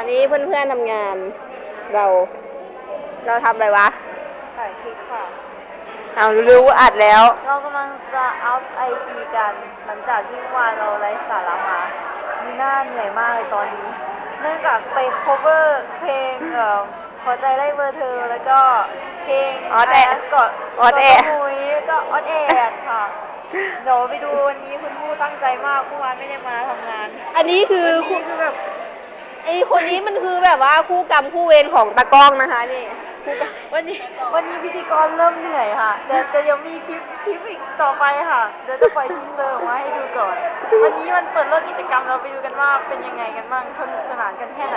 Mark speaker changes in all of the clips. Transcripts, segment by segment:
Speaker 1: นี้เพื่อนๆทำงาน เราทำอะไรวะ
Speaker 2: ถ่ายคลิปค่ะ
Speaker 1: เอารู้อัดแล้ว
Speaker 2: เรากำลังจะอัพไอจีกันหลังจากที่วานเราไลฟ์สาระมามีหน้าเหนื่อยมากเลยตอนนี้เนื่องจากไป cover เพลงขอใจได้เบอร์เธอแล้วก็เพลง
Speaker 1: ออดแอด
Speaker 2: กอดแอดก็ออดแอดค่ะเดี๋ยวไปดูวันนี้คุณผู้ตั้งใจมากเมื่อวานไม่ได้มาทำงาน
Speaker 1: อันนี้คือ
Speaker 2: แบบ
Speaker 1: ไอคนนี้มันคือแบบว่าคู่กรรมคู่เวรของตากล้องนะคะนี่
Speaker 2: วันนี้พิธีกรเริ่มเหนื่อยค่ะแต่ยังมีคลิปอีกต่อไปค่ะเดี๋ยวจะปล่อยทีเซอร์ออกมาให้ดูก่อน วันนี้มันเปิดเลิกกิจกรรมเราไปดูกันว่าเป็นยังไงกันบ้างสนุกสนานกันแค่ไหน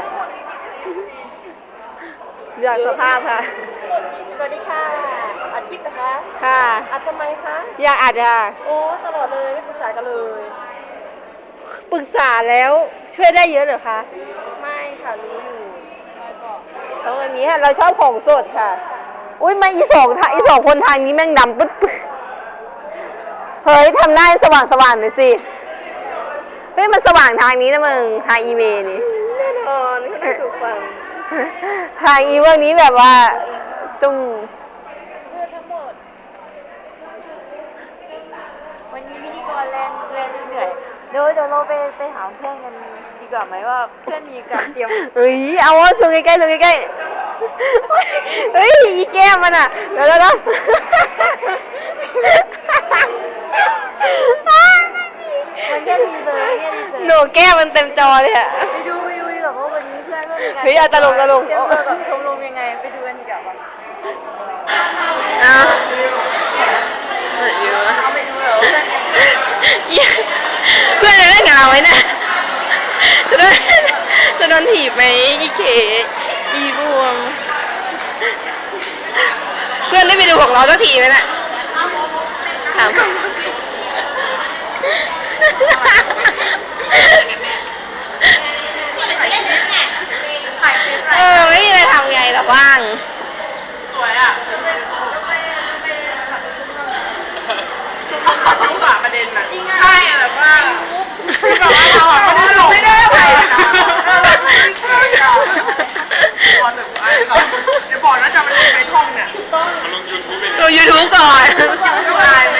Speaker 1: อยากสภาพค่ะ
Speaker 2: สวัสดีค่ะอาทิตย์นะคะ
Speaker 1: ค่ะ
Speaker 2: อัดทำไมคะ
Speaker 1: อยากอัดค่ะ
Speaker 2: โอ้ตลอดเลยไม่ปรึกษากันเลย
Speaker 1: ปรึกษาแล้วช่วยได้เยอะเหรอคะ
Speaker 2: ไม่ค่ะรู้อยู่
Speaker 1: ต้องแบบนี้ค่ะเราชอบของสดค่ะอุ้ยมาอีสองคนทางนี้แม่งดำปึ๊ดเฮ้ยทำหน้าสว่างหน่อยสิเฮ้ยมันสว่างทางนี้นะมึงทางอีเมลนี่
Speaker 2: แน่นอนเขาได้ถูกฟัง
Speaker 1: ทางอีเมลนี้แบบว่าจุ้ม
Speaker 2: เพื่อทั้งหมดวันนี้พิธีกรแลนเหนื่อยเดี๋ยวเราไปถามเพื่อนกันดีกว่าไหมว่าเพื่อนมีการเตรียม
Speaker 1: เฮ้ยเอาว่าส่งใกล้เฮ้ยอีแก้มมันอ่ะเดี๋ยว
Speaker 2: มันแค่ดีเลย
Speaker 1: หนูแก้มมันเต็มจอเลยอ่ะ
Speaker 2: ไปดูแบบว่าวันนี้เพื่อนก็มีงาน
Speaker 1: เฮ้ยตลก
Speaker 2: เตรียมตัวแบบชมรมยังไงไปดูกันดีกว่า
Speaker 1: เอา
Speaker 2: ไปดูเหรอ
Speaker 1: เพื่อนจะเล่นกับเราไหมเนี่ยจะโดนถีบไหมอีเขอีบวมเพื่อนได้ไปดูของเราสักทีไหมน่ะถามไม่มีอะไรทำไงหรอกว่าง
Speaker 2: สวยอ่ะรู้ป่ะประเด็นน่ะใช่แบบว่าเราอ่ะไม่ได้ไปนะบอลแบบไอ้บอลน่าจะมันลงในท่องเนี่ยต้อง
Speaker 1: ลง YouTube ก่อน